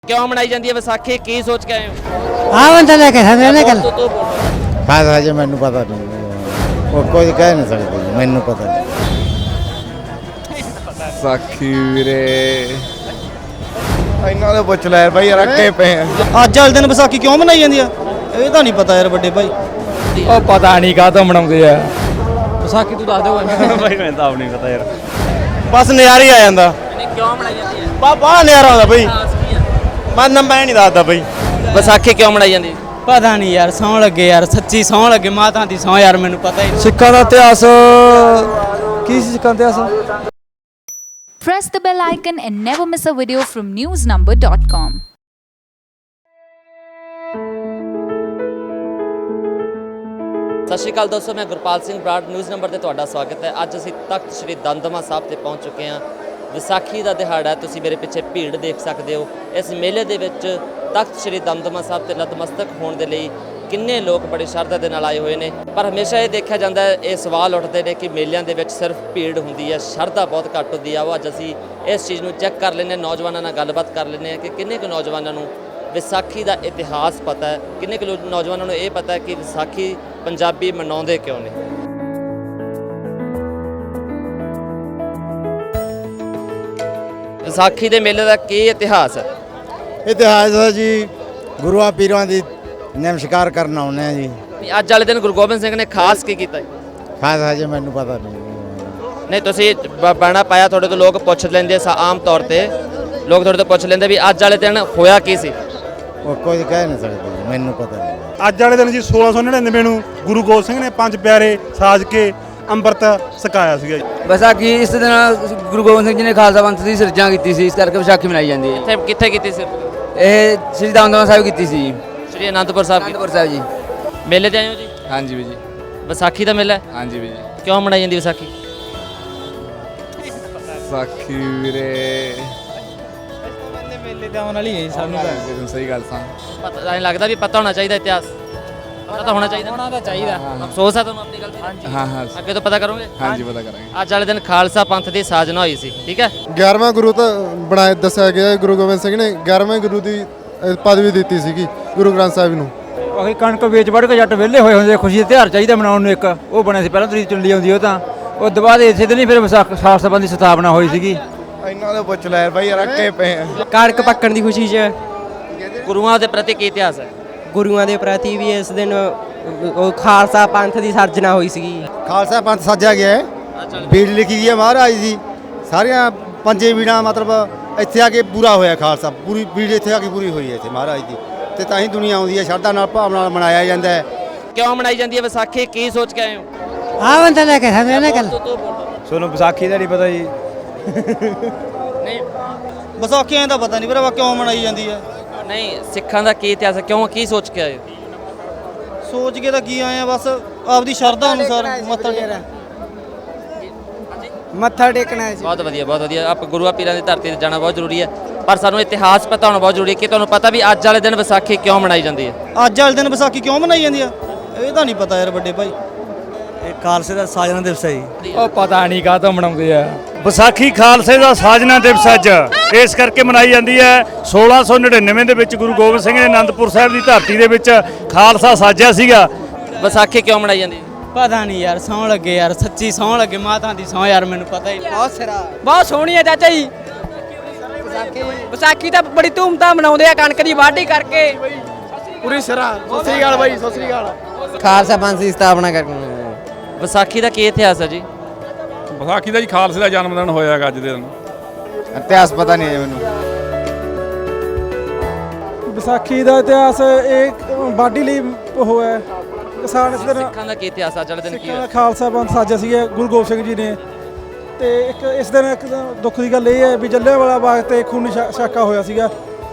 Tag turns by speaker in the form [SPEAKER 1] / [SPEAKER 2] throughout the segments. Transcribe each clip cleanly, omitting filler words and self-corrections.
[SPEAKER 1] क्यों मनाई जाती है विसाखी की सोच के आए हो?
[SPEAKER 2] हाँ बंदा लेके समझे ना कल
[SPEAKER 1] तो
[SPEAKER 3] ਖਾਸ ਹਜੇ ਮੈਨੂੰ ਪਤਾ ਨਹੀਂ ਉਹ ਕੋਈ ਕਹਿ ਨਹੀਂ ਸਕਦੇ ਮੈਨੂੰ ਪਤਾ ਨਹੀਂ
[SPEAKER 4] ਸਾਖੀ ਵੀਰੇ ਇਹਨਾਂ ਦੇ ਪੁੱਛ ਲੈ ਬਾਈ ਯਾਰ ਅੱਕੇ ਪਏ ਆ
[SPEAKER 5] ਅੱਜ ਵਾਲੇ ਦਿਨ ਵਿਸਾਖੀ ਕਿਉਂ ਮਨਾਈ ਜਾਂਦੀ ਆ ਇਹ ਤਾਂ ਨਹੀਂ ਪਤਾ ਯਾਰ ਵੱਡੇ ਭਾਈ।
[SPEAKER 6] ਉਹ ਪਤਾ ਨਹੀਂ ਕਾਹਤੋਂ ਮਨਾਉਂਦੇ ਆ।
[SPEAKER 5] ਵਿਸਾਖੀ ਤੂੰ ਦੱਸ ਦੇ
[SPEAKER 6] ਭਾਈ ਮੈਨੂੰ ਤਾਂ ਆਪ ਨਹੀਂ ਪਤਾ ਯਾਰ।
[SPEAKER 5] ਬਸ ਨਜ਼ਾਰਾ ਹੀ ਆ ਜਾਂਦਾ
[SPEAKER 1] क्यों मनाई जाती है?
[SPEAKER 5] ਬਾਹਲਾ ਨਜ਼ਾਰਾ ਆਉਂਦਾ ਬਈ।
[SPEAKER 1] खास की है?
[SPEAKER 5] ਮੈਂ ਨਹੀਂ ਦੱਸਦਾ ਬਈ।
[SPEAKER 1] ਵਿਸਾਖੀ ਕਿਉਂ ਮਨਾਈ ਜਾਂਦੀ ਹੈ?
[SPEAKER 2] ਪਤਾ ਨਹੀਂ ਯਾਰ ਸੌਂ ਲੱਗੇ ਯਾਰ ਸੱਚੀ ਸੌਂ ਲੱਗੇ ਮਾਤਾ ਦੀ ਸੌਂ ਯਾਰ ਮੈਨੂੰ ਪਤਾ ਹੀ
[SPEAKER 6] ਸਿੱਖਾਂ ਦਾ ਇਤਿਹਾਸ ਕੀ ਸੀ ਸਿੱਖਾਂ ਦਾ ਇਤਿਹਾਸ?
[SPEAKER 7] Press the bell icon and never miss a video from newsnumber.com.
[SPEAKER 1] ਸਤਿ ਸ਼੍ਰੀ ਅਕਾਲ ਦੋਸਤੋ, ਮੈਂ ਗੁਰਪਾਲ ਸਿੰਘ ਬਰਾੜ ਨਿਊਜ਼ ਨੰਬਰ ਤੇ ਤੁਹਾਡਾ ਸਵਾਗਤ ਹੈ। ਅੱਜ ਅਸੀਂ ਤਖਤ ਸ੍ਰੀ ਦਮਦਮਾ ਸਾਹਿਬ ਤੇ ਪਹੁੰਚ ਚੁੱਕੇ ਹਾਂ। ਵਿਸਾਖੀ ਦਾ ਦਿਹਾੜਾ ਹੈ, ਤੁਸੀਂ ਮੇਰੇ ਪਿੱਛੇ ਭੀੜ ਦੇਖ ਸਕਦੇ ਹੋ। ਇਸ ਮੇਲੇ ਦੇ ਵਿੱਚ ਤਖਤ ਸ੍ਰੀ ਦਮਦਮਾ ਸਾਹਿਬ ਤੇ ਨਤਮਸਤਕ ਹੋਣ ਦੇ ਲਈ ਕਿੰਨੇ ਲੋਕ ਬੜੀ ਸ਼ਰਧਾ ਦੇ ਨਾਲ ਆਏ ਹੋਏ ਨੇ। ਪਰ ਹਮੇਸ਼ਾ ਇਹ ਦੇਖਿਆ ਜਾਂਦਾ ਹੈ, ਇਹ ਸਵਾਲ ਉੱਠਦੇ ਨੇ ਕਿ ਮੇਲਿਆਂ ਦੇ ਵਿੱਚ ਸਿਰਫ ਭੀੜ ਹੁੰਦੀ ਹੈ, ਸ਼ਰਧਾ ਬਹੁਤ ਘੱਟ ਹੁੰਦੀ ਆ। ਉਹ ਅੱਜ ਅਸੀਂ ਇਸ ਚੀਜ਼ ਨੂੰ ਚੈੱਕ ਕਰ ਲੈਂਦੇ ਹਾਂ, ਨੌਜਵਾਨਾਂ ਨਾਲ ਗੱਲਬਾਤ ਕਰ ਲੈਂਦੇ ਹਾਂ ਕਿ ਕਿੰਨੇ ਕੁ ਨੌਜਵਾਨਾਂ ਨੂੰ ਵਿਸਾਖੀ ਦਾ ਇਤਿਹਾਸ ਪਤਾ ਹੈ, ਕਿੰਨੇ ਕੁ ਨੌਜਵਾਨਾਂ ਨੂੰ ਇਹ ਪਤਾ ਹੈ ਕਿ ਵਿਸਾਖੀ ਪੰਜਾਬੀ ਮਨਾਉਂਦੇ ਕਿਉਂ ਨੇ। ਵਿਸਾਖੀ ਦੇ ਮੇਲੇ ਦਾ ਕੀ ਇਤਿਹਾਸ ਹੈ?
[SPEAKER 3] ਇਤਿਹਾਸ ਹੈ ਜੀ ਗੁਰੂਆਂ ਪੀਰਾਂ ਦੀ ਨਮਸਕਾਰ ਕਰਨ ਆਉਂਦੇ ਆ ਜੀ।
[SPEAKER 1] ਅੱਜ ਵਾਲੇ ਦਿਨ ਗੁਰੂ ਗੋਬਿੰਦ ਸਿੰਘ ਨੇ ਖਾਸ ਕੀ ਕੀਤਾ?
[SPEAKER 3] ਖਾਸ ਹਜੇ ਮੈਨੂੰ ਪਤਾ ਨਹੀਂ
[SPEAKER 1] ਨਹੀਂ ਤੁਸੀਂ ਬਾਣਾ ਪਾਇਆ, ਤੁਹਾਡੇ ਤੋਂ ਲੋਕ ਪੁੱਛ ਲੈਂਦੇ ਆਮ ਤੌਰ ਤੇ ਲੋਕ ਤੁਹਾਡੇ ਤੋਂ ਪੁੱਛ ਲੈਂਦੇ ਵੀ ਅੱਜ ਵਾਲੇ ਦਿਨ ਹੋਇਆ ਕੀ ਸੀ।
[SPEAKER 3] ਉਹ ਕੋਈ ਕਹਿ ਨਹੀਂ ਸਕਦੇ ਮੈਨੂੰ ਪਤਾ ਨਹੀਂ।
[SPEAKER 8] ਅੱਜ ਵਾਲੇ ਦਿਨ ਜੀ 1699 ਨੂੰ ਗੁਰੂ ਗੋਬਿੰਦ ਸਿੰਘ ਨੇ ਪੰਜ ਪਿਆਰੇ ਸਾਜ ਕੇ ਅੰਮ੍ਰਿਤ ਛਕਾਇਆ ਸੀਗਾ ਜੀ।
[SPEAKER 2] ਵਿਸਾਖੀ ਇਸ ਦਿਨ ਗੁਰੂ ਗੋਬਿੰਦ ਸਿੰਘ ਜੀ ਨੇ ਖਾਲਸਾ ਪੰਥ ਦੀ ਸਿਰਜਣਾ ਕੀਤੀ ਸੀ, ਇਸ ਕਰਕੇ ਵਿਸਾਖੀ ਮਨਾਈ ਜਾਂਦੀ ਹੈ।
[SPEAKER 1] ਕਿੱਥੇ ਕੀਤੀ ਸੀ?
[SPEAKER 2] ਇਹ ਸ੍ਰੀ ਦਮਦਮਾ ਸਾਹਿਬ ਕੀਤੀ ਸੀ,
[SPEAKER 1] ਸ਼੍ਰੀ ਅਨੰਦਪੁਰ ਸਾਹਿਬ
[SPEAKER 2] ਅਨੰਦਪੁਰ ਸਾਹਿਬ ਜੀ।
[SPEAKER 1] ਮੇਲੇ ਤੇ ਆਏ ਹੋ ਜੀ?
[SPEAKER 6] ਹਾਂਜੀ ਵੀ ਜੀ।
[SPEAKER 1] ਵਿਸਾਖੀ ਦਾ ਮੇਲਾ ਹੈ?
[SPEAKER 6] ਹਾਂਜੀ ਵੀ ਜੀ।
[SPEAKER 1] ਕਿਉਂ ਮਨਾਈ ਜਾਂਦੀ ਵਿਸਾਖੀ?
[SPEAKER 4] ਸਾਖੀ ਵੀਰੇ
[SPEAKER 2] ਮੇਲੇ ਤੇ ਆਉਣ ਵਾਲੀ ਹੈ ਸਾਨੂੰ
[SPEAKER 4] ਤੈਨੂੰ ਸਹੀ ਗੱਲ ਸਾਂ
[SPEAKER 1] ਪਤਾ ਨਹੀਂ ਲੱਗਦਾ ਵੀ ਪਤਾ ਹੋਣਾ ਚਾਹੀਦਾ ਇਤਿਹਾਸ, ਪਤਾ ਤਾਂ ਹੋਣਾ ਚਾਹੀਦਾ।
[SPEAKER 2] ਹੋਣਾ ਤਾਂ ਚਾਹੀਦਾ।
[SPEAKER 1] ਅਫਸੋਸ ਹੈ ਤੁਹਾਨੂੰ ਆਪਣੀ ਗਲਤੀ ਦਾ।
[SPEAKER 4] ਹਾਂ ਹਾਂ
[SPEAKER 1] ਅੱਗੇ ਤੋਂ ਪਤਾ ਕਰੋਗੇ।
[SPEAKER 4] ਹਾਂਜੀ ਪਤਾ ਕਰਾਂਗੇ।
[SPEAKER 1] ਅੱਜ ਵਾਲੇ ਦਿਨ ਖਾਲਸਾ ਪੰਥ ਦੀ ਸਾਜਨਾ ਹੋਈ ਸੀ, ਠੀਕ ਹੈ।
[SPEAKER 9] 11ਵਾਂ ਗੁਰੂ ਤਾਂ ਬਣਾਇਆ ਦੱਸਿਆ ਗਿਆ ਹੈ। ਗੁਰੂ ਗੋਬਿੰਦ ਸਿੰਘ ਨੇ 11ਵੇਂ ਗੁਰੂ ਦੀ ਪਦਵੀ ਦਿੱਤੀ ਸੀਗੀ ਗੁਰੂ ਗ੍ਰੰਥ ਸਾਹਿਬ ਨੂੰ।
[SPEAKER 6] ਉਹੀ ਕਣਕ ਵੇਚ ਵੜ ਕੇ ਜੱਟ ਵਿਹਲੇ ਹੋਏ ਹੁੰਦੇ, ਖੁਸ਼ੀ ਦਾ ਤਿਉਹਾਰ ਚਾਹੀਦਾ ਮਨਾਉਣ ਨੂੰ। ਇੱਕ ਉਹ ਬਣਿਆ ਸੀ ਪਹਿਲਾਂ ਤਰੀਕ ਚੁੰਡੀ ਆਉਂਦੀ, ਉਹ ਤਾਂ ਉਸ ਤੋਂ ਬਾਅਦ ਇਸੇ ਦਿਨ ਹੀ ਫਿਰ ਖਾਲਸਾ ਪੰਥ ਦੀ ਸਥਾਪਨਾ ਹੋਈ ਸੀਗੀ।
[SPEAKER 4] ਇਹਨਾਂ ਦੇ ਪੁੱਛ ਲੈ ਬਾਈ ਯਾਰ ਅੱਕੇ ਪਏ ਆ
[SPEAKER 2] ਕਣਕ ਪੱਕਣ ਦੀ ਖੁਸ਼ੀ 'ਚ
[SPEAKER 1] ਗੁਰੂਆਂ ਦੇ ਪ੍ਰਤੀ ਕੀ ਇਤਿਹਾਸ ਹੈ?
[SPEAKER 2] ਗੁਰੂਆਂ ਦੇ ਪ੍ਰਤੀ ਵੀ ਇਸ ਦਿਨ ਉਹ ਖਾਲਸਾ ਪੰਥ ਦੀ ਸਿਰਜਣਾ ਹੋਈ ਸੀਗੀ।
[SPEAKER 3] ਖਾਲਸਾ ਪੰਥ ਸਾਜਿਆ ਗਿਆ ਹੈ, ਬੀੜ ਲਿਖੀ ਗਈ ਹੈ ਮਹਾਰਾਜ ਦੀ। ਸਾਰੀਆਂ ਪੰਜੇ ਬੀੜਾਂ ਮਤਲਬ ਇੱਥੇ ਆ ਕੇ ਪੂਰਾ ਹੋਇਆ ਖਾਲਸਾ, ਪੂਰੀ ਬੀੜ ਇੱਥੇ ਆ ਕੇ ਪੂਰੀ ਹੋਈ ਹੈ ਇੱਥੇ ਮਹਾਰਾਜ ਦੀ। ਤੇ ਤਾਂ ਹੀ ਦੁਨੀਆ ਆਉਂਦੀ ਹੈ, ਸ਼ਰਧਾ ਨਾਲ ਭਾਵ ਨਾਲ ਮਨਾਇਆ ਜਾਂਦਾ ਹੈ।
[SPEAKER 1] ਕਿਉਂ ਮਨਾਈ ਜਾਂਦੀ ਹੈ ਵਿਸਾਖੀ, ਕੀ ਸੋਚ ਕੇ ਆਏ ਹੋ?
[SPEAKER 2] ਹਾਂ ਬੰਦਾ ਲੈ ਕੇ ਸਮਝੇ ਨਾ ਕਲ
[SPEAKER 6] ਤੁਹਾਨੂੰ ਵਿਸਾਖੀ ਦਾ ਨਹੀਂ ਪਤਾ ਜੀ?
[SPEAKER 1] ਨਹੀਂ
[SPEAKER 5] ਵਿਸਾਖੀ ਐਂ ਤਾਂ ਪਤਾ ਨਹੀਂ ਭਰਾਵਾ ਕਿਉਂ ਮਨਾਈ ਜਾਂਦੀ ਆ।
[SPEAKER 1] ਨਹੀਂ, ਸਿੱਖਾਂ ਦਾ ਕੀ ਇਤਿਹਾਸ ਹੈ, ਕਿਉਂ ਕੀ ਸੋਚ ਕੇ ਆਏ ਹੋ?
[SPEAKER 5] ਸੋਚ ਕੇ ਤਾਂ ਕੀ ਆਏ ਆ, ਬਸ ਆਪਦੀ ਸ਼ਰਧਾ ਅਨੁਸਾਰ
[SPEAKER 2] ਮੱਥਾ ਟੇਕਣਾ ਹੈ ਜੀ।
[SPEAKER 1] ਬਹੁਤ ਵਧੀਆ, ਬਹੁਤ ਵਧੀਆ। ਆਪ ਗੁਰੂਆਂ ਪੀਰਾਂ ਦੀ ਧਰਤੀ ਤੇ ਜਾਣਾ ਬਹੁਤ ਜ਼ਰੂਰੀ ਹੈ, ਪਰ ਸਾਨੂੰ ਇਤਿਹਾਸ ਪਤਾ ਹੋਣਾ ਬਹੁਤ ਜ਼ਰੂਰੀ ਹੈ ਕਿ ਤੁਹਾਨੂੰ ਪਤਾ ਵੀ ਅੱਜ ਵਾਲੇ ਦਿਨ ਵਿਸਾਖੀ ਕਿਉਂ ਮਨਾਈ ਜਾਂਦੀ ਹੈ।
[SPEAKER 5] ਅੱਜ ਵਾਲੇ ਦਿਨ ਵਿਸਾਖੀ ਕਿਉਂ ਮਨਾਈ ਜਾਂਦੀ ਆ ਇਹ ਤਾਂ ਨਹੀਂ ਪਤਾ ਯਾਰ ਵੱਡੇ ਭਾਈ।
[SPEAKER 2] ਇਹ ਖਾਲਸੇ ਦਾ ਸਾਜਨਾ ਦਿਵਸ ਹੈ ਜੀ।
[SPEAKER 6] ਉਹ ਪਤਾ ਨਹੀਂ ਕਾਹਤੋਂ ਮਨਾਉਂਦੇ ਆ।
[SPEAKER 8] ਵਿਸਾਖੀ ਖਾਲਸੇ ਦਾ ਸਾਜਨਾ ਦਿਵਸ ਅੱਜ ਇਸ ਕਰਕੇ ਮਨਾਈ ਜਾਂਦੀ ਹੈ। 1699 ਦੇ ਵਿੱਚ ਗੁਰੂ ਗੋਬਿੰਦ ਸਿੰਘ ਨੇ ਅਨੰਦਪੁਰ ਸਾਹਿਬ ਦੀ ਧਰਤੀ ਦੇ ਵਿੱਚ ਖਾਲਸਾ ਸਾਜਿਆ ਸੀਗਾ।
[SPEAKER 1] ਵਿਸਾਖੀ ਕਿਉਂ ਮਨਾਈ ਜਾਂਦੀ ਹੈ?
[SPEAKER 2] ਪਤਾ ਨਹੀਂ ਯਾਰ ਸੌਂ ਲੱਗੇ ਯਾਰ ਸੱਚੀ ਸੌਂ ਲੱਗੇ ਮਾਤਾ ਦੀ ਸੌਂ ਯਾਰ ਮੈਨੂੰ ਪਤਾ ਹੀ ਬਹੁਤ ਸੋਹਣੀ ਹੈ ਚਾਚਾ ਜੀ। ਵਿਸਾਖੀ ਤਾਂ ਬੜੀ ਧੂਮਧਾਮ ਮਨਾਉਂਦੇ ਆ, ਕਣਕ ਦੀ ਵਾਢੀ ਕਰਕੇ
[SPEAKER 8] ਪੂਰੀ ਸਿਰਾ ਸਤਿ ਸ੍ਰੀ ਅਕਾਲ ਬਾਈ, ਸਤਿ ਸ੍ਰੀ ਅਕਾਲ।
[SPEAKER 2] ਖਾਲਸਾ ਪੰਥ ਦੀ ਸਥਾਪਨਾ ਕਰਕੇ।
[SPEAKER 1] ਵਿਸਾਖੀ ਦਾ ਕੀ ਇਤਿਹਾਸ ਹੈ ਜੀ?
[SPEAKER 8] ਵਿਸਾਖੀ ਦਾ ਜੀ ਖਾਲਸੇ ਦਾ ਜਨਮ ਦਿਨ ਹੋਇਆ ਹੈਗਾ ਅੱਜ ਦੇ ਦਿਨ।
[SPEAKER 4] ਇਤਿਹਾਸ ਪਤਾ ਨਹੀਂ ਹੈ ਮੈਨੂੰ।
[SPEAKER 9] ਵਿਸਾਖੀ ਦਾ ਇਤਿਹਾਸ ਇਹ ਵਾਢੀ ਲਈ ਹੋਇਆ ਕਿਸਾਨ ਇਸ ਦਿਨ
[SPEAKER 1] ਸਿੱਖਾਂ ਦਾ ਕੀ ਇਤਿਹਾਸ ਅੱਜ ਵਾਲੇ ਦਿਨ ਕੀ ਹੋਇਆ?
[SPEAKER 9] ਖਾਲਸਾ ਪੰਥ ਸਾਜਿਆ ਸੀਗਾ ਗੁਰੂ ਗੋਬਿੰਦ ਸਿੰਘ ਜੀ ਨੇ। ਤੇ ਇੱਕ ਇਸ ਦਿਨ ਇੱਕ ਦੁੱਖ ਦੀ ਗੱਲ ਇਹ ਹੈ ਵੀ ਜਲਿਆਂਵਾਲਾ ਬਾਗ ਤੇ ਖੂਨੀ ਸਾਕਾ ਹੋਇਆ ਸੀਗਾ